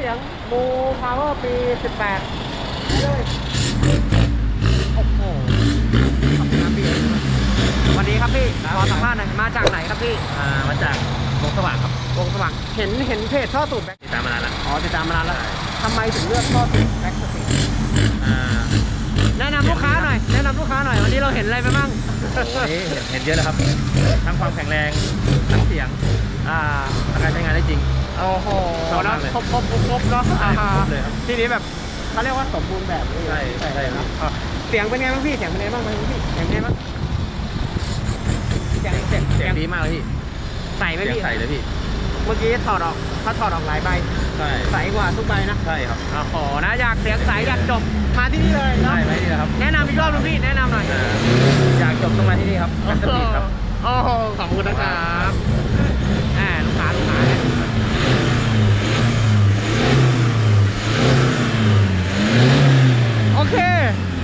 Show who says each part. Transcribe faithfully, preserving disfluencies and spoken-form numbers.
Speaker 1: สียงบูพาวเวอร์ปีสิบแปดเลยโอ้โหขอบคุณครับพี่สวัสดีครับพี่ขอสัมภาษณ์หน่อยมาจากไหนครับพี่
Speaker 2: อ่ามาจากวงสว่างครับ
Speaker 1: วงสว่างเห็นเห็นเพจท่อสูบแบ็ค
Speaker 2: ติดตามมานานแล้ว
Speaker 1: อ๋อติดตามมานานแล้วทำไมถึงเลือกท่อสูบแบ็คสตรีท
Speaker 2: อ่า
Speaker 1: แนะนำลูกค้าหน่อยแนะนำลูกค้าหน่อยวันนี้เราเห็นอะไรไปบ้าง
Speaker 2: วันนี้เห็นเห็นเยอะแล้วครับทั้งความแข็งแรงทั้งเสียง
Speaker 1: อ่า
Speaker 2: ทั้งการใช้งานได้จริง
Speaker 1: โอ้โห
Speaker 2: ชอบ
Speaker 1: แล้
Speaker 2: มาว กเลย
Speaker 1: ครบครบครบครบเนาะอ่า
Speaker 2: ครบเลยครับ
Speaker 1: ทีนี้แบบเขาเรียกว่าสมบูรณ์แบบเลย
Speaker 2: ใช่ใช่ใช่ครับ
Speaker 1: อ่ะเสียงเป็นไงบ้างพี่เสียงเป็นไงบ้างพี่เสียงเป็นไงบ้างเสียงเสียง
Speaker 2: เสียงดีมากเลยพี่
Speaker 1: ใส่ไหม
Speaker 2: เสียง
Speaker 1: พี่
Speaker 2: ใสเลยพี่
Speaker 1: เมื่อกี้ถอดออกเขาถอดออกหลายใบ
Speaker 2: ใช่
Speaker 1: ใสกว่าทุกใบนะ
Speaker 2: ใช่ครับ
Speaker 1: โอ้โหนะอยากเสียงใสอยากจบมาที่นี่เลยเนาะ
Speaker 2: ได้ไหมนี่นะครับ
Speaker 1: แนะนำอีกรอบนึงพี่แนะนำหน่อย
Speaker 2: อ่าอยากจบตรงมาที่นี่ครับแบ็คสตรีทครับ
Speaker 1: โอ้โหขอบคุณนะครับแหมลูกค้าลูกค้าเนี่ยโอเค